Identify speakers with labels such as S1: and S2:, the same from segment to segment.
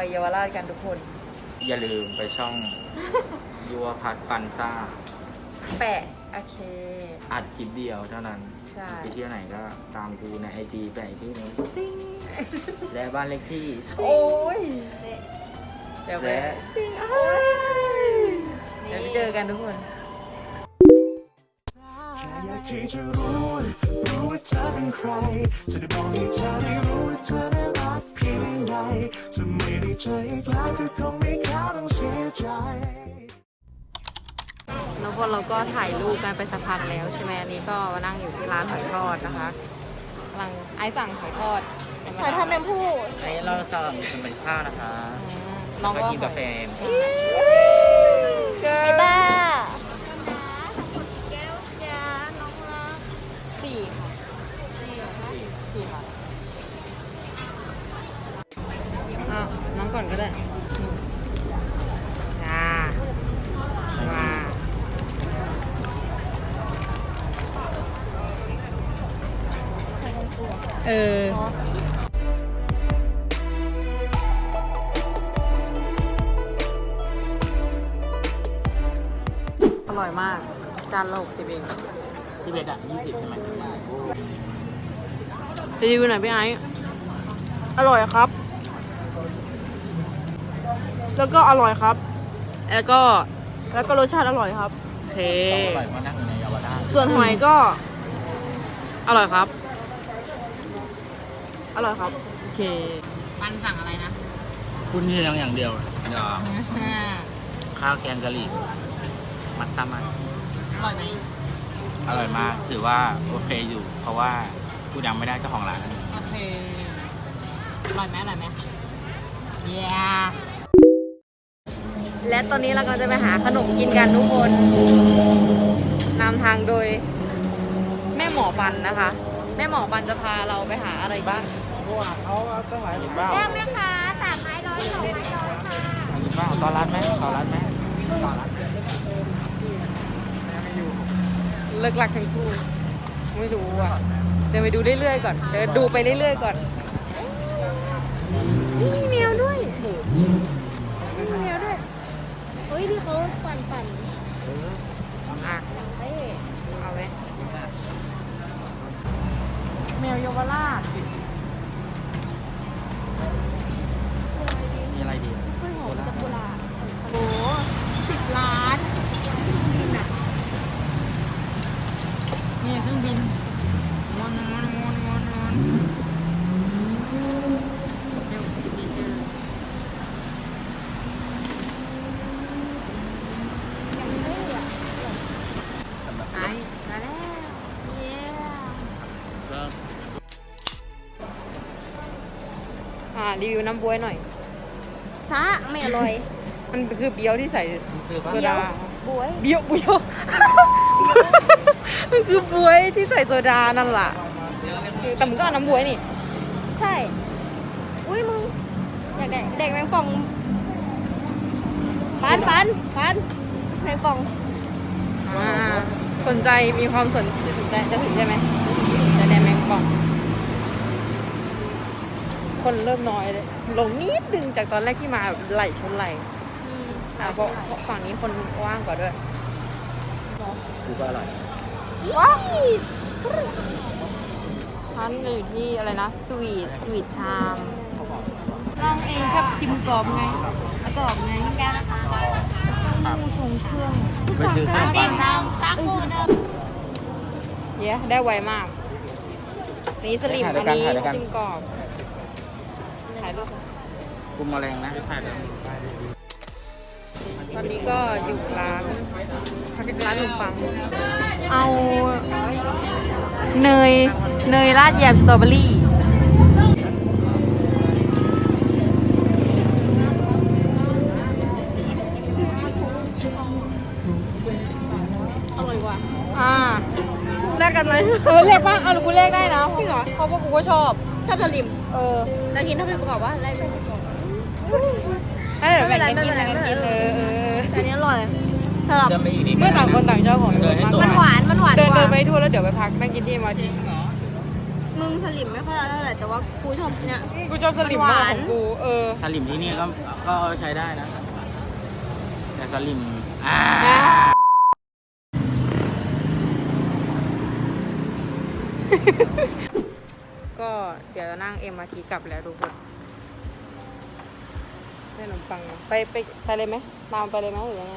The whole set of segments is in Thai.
S1: เยาวราชกันทุกคน
S2: อย่าลืมไปช่อง ยัวพัดปันซ่า
S1: แปะโอเค
S2: อัดคลิปเดียวเท่านั้น
S1: ใช่
S2: ไปเที่ยวไหนก็ตามกูในไอจีไปอีกที่นึงและบ้านเลขที่
S1: โอ้ยเดี๋ยวไป
S2: และ
S1: เดี๋ยวไปเจอกันทุกคน
S3: อยากที่จะรู้ว่าเธอเป็นใครจะได้บอกให้เธอได้รู้ว่าเธอได้รักเพียงใดจะไม่ได้เจออีกแล้วก็คงไม่แค่ต้องเสียใจ
S1: แล้วพอเราก็ถ่ายรูปกันไปสักพักแล้วใช่ไหมอันนี้ก็มานั่งอยู่ที่ร้านหอยทอดนะคะกำลังไอซ์สั่งหอยทอด
S4: หอยทอดแมงผู้
S2: อันนี้เราสั่งเป็นข้าวนะคะ
S1: น้องก็
S2: กินกาแฟ
S4: ไอ้บ้า
S1: สี่ค่ะสี่ค่ะอ้าวน้องก่อนก็ได้จ้าว้าเอออร่อยมากจานละ60เอง
S2: ที่เบ็ดอ่ะ20ใช่ไหม
S1: รีวิวหน่อยพี่ไอซ์
S4: อร่อยครับ แล้วก็อร่อยครับ
S1: แล้วก็
S4: แล้วก็รสชาติอร่อยครับ
S1: เท
S2: อร่อยมากนั่งอยู่ในเยาวราช
S4: ส่วนหอยก็
S1: อร่อยครับ
S4: อร่อยครับ
S1: โอเคปันสั่งอะไรนะ
S2: คุณที่ยังอย่างเดียวเดี๋ยวข้าวแกงกะหรี่มัสซามัน
S1: อร่อยไหม
S2: อร่อยมากถือว่าโอเคอยู่ เพราะว่ากูยังไม่ได้เจ้าของร้าน
S1: โอเคอร่อยไหมอร่อยไหมเย้และตอนนี้เราก็จะไปหาขนมกินกันทุกคนนำทางโดยแม่หมอปันนะคะ แม่หมอปันจะพาเราไปหาอะไรบ้าง
S2: เขาต้องหลายบ้า
S4: แก้มไหมคะ3ไม้ร้อย2ไม้ร้อยค่ะ
S2: บ้าตอนร้านไหมตอนร้านไหมตอนร้าน
S1: เลิกลักทั้งคู่ไม่รู้อ่ะเดินไปดูเรื่อยๆก่อนเดินดูไปเรื่อยๆก่อนนี่มีแมวด้วยมีแมวด้วย
S4: เฮ้ยที่เขาปั่น
S1: อ่ะ
S4: เฮ้ย
S1: เอาไหมแมวเยาวราช
S2: มีอะไรดี
S4: กล้วยหอมจักรุลาโอ้10 ล้าน
S1: นี่เครื่องบินม้วนม้วนม้วนม้วนม้วนเร็วดีเจอไอ้มาแล้ว
S4: เย้
S1: รีวิวน้ำบ๊วยหน่อย
S4: ซะไม่อร่อย
S1: มันคือเบี๊ยวที่ใส่
S2: คือ
S1: โซดา
S4: บวย
S1: เบี๊ยวเบี๊ยวมันคือบ๊วยที่ใส่โซดานั่นแหละแต่มันก็เอาน้ำบ๊วยนี่
S4: ใช่ อุ้ยมึง อยากแดกแมงป่องปันแมงป่อง
S1: สนใจมีความสนใจจะถึงใช่ไหมจะแดนแมงป่อง คนเริ่มน้อยเลยลงนิดนึงจากตอนแรกที่มาแบบไหลชนไหลเพราะฝั่งนี้คนว่างกว่าด้วย
S2: คือก็อร่อย
S1: ว้าวร้านอยู่ที่อะไรนะสวีทชามลองเองครับชิมกรอบไงกรอบไงแก้วนะคะส่งเครื่อง
S2: ไปซื้อขนมปัง
S4: ซักโคเดิม
S1: เย้ได้ไวมากนี่สลิมอันนี้ชิมกรอบถ่ายรูป
S2: กุมแมลงนะถ่ายแล้ว
S1: ตอนนี้ก็อยู่ร้านขนมปังเอาเนยราดแยมสตรอเบอรี่แลกกันไหมแลกป่ะเอาหรือกูแลกได้นะจริงเหรอเพราะว่ากูก็ชอบสลิม
S4: จะกินถ้าเป็นประกอบว่าอะไรเป็นประกอบ
S1: ให้เดี๋ยวแบ่งกันกินอะไรกันกิน
S4: แต่อันนี้อร่อยสำหรับ
S2: เดินไปอีกนิด
S1: เมื่อต่างคนต่างเจ้าของ
S2: เดินให้ตรง
S4: มันหวาน
S1: เดินไปทั่วแล้วเดี๋ยวไปพักนั่งกินที่มาที
S4: มึงสลิมไม่ค่อยเท่าไหร่แต่ว่ากูชอบเนี่ย
S1: กูชอบสลิม
S4: มันห
S1: มาก
S4: วาน
S1: ของกู
S2: สลิมที่นี่ก็ใช้ได้นะ แต่สลิม
S1: ก็เดี๋ยวนั่ง MRT กลับแล้วทุกคนได้ขนมปังมาไปเลยไหมตามไปเลยไหมหรือยังไง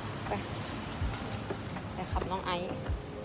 S1: ไปขับน้องไอซ์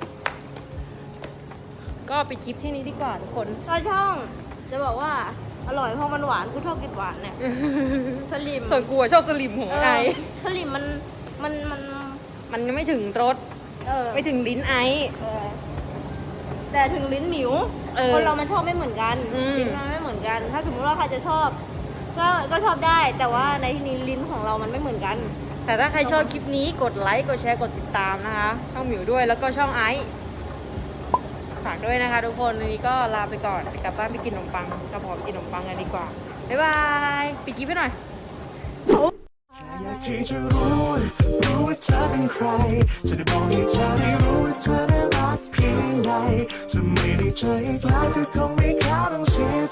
S1: ก็ปิดคลิปที่นี้ดีกว่าทุกคน
S4: ก็ช่องจะบอกว่าอร่อยเพราะมันหวานกูชอบกินหวานเนี่ยสลิม
S1: ส่วนกูอะชอบสลิมของไอซ์
S4: สลิมมัน
S1: มันยังไม่ถึงรส ไม่ถึงลิ้นไอซ์
S4: แต่ถึงลิ้นหมิว คนเรามันชอบไม่เหมือนกัน ลิ้นมันไม่เหมือนกัน ถ้าสมมติว่าใครจะชอบ ก็ชอบได้ แต่ว่าในที่นี้ลิ้นของเรามันไม่เหมือนกัน
S1: แต่ถ้าใครชอบคลิปนี้กดไลค์กดแชร์กดติดตามนะคะ ช่องหมิวด้วยแล้วก็ช่องไอซ์ฝากด้วยนะคะทุกคนวันนี้ก็ลาไปก่อนไปกลับบ้านไปกินขนมปังกลับหอไปกินขนมปังกันดีกว่าบ๊ายบายปิดคลิปให้หน่อย
S3: อยากที่จะรู้ว่าเธอเป็นใคร จะได้บอกให้เธอได้รู้ว่าเธอได้รักเพียงใดจะไม่ได้เจออีกแล้วก็คงไม่เข้าต้องเสีย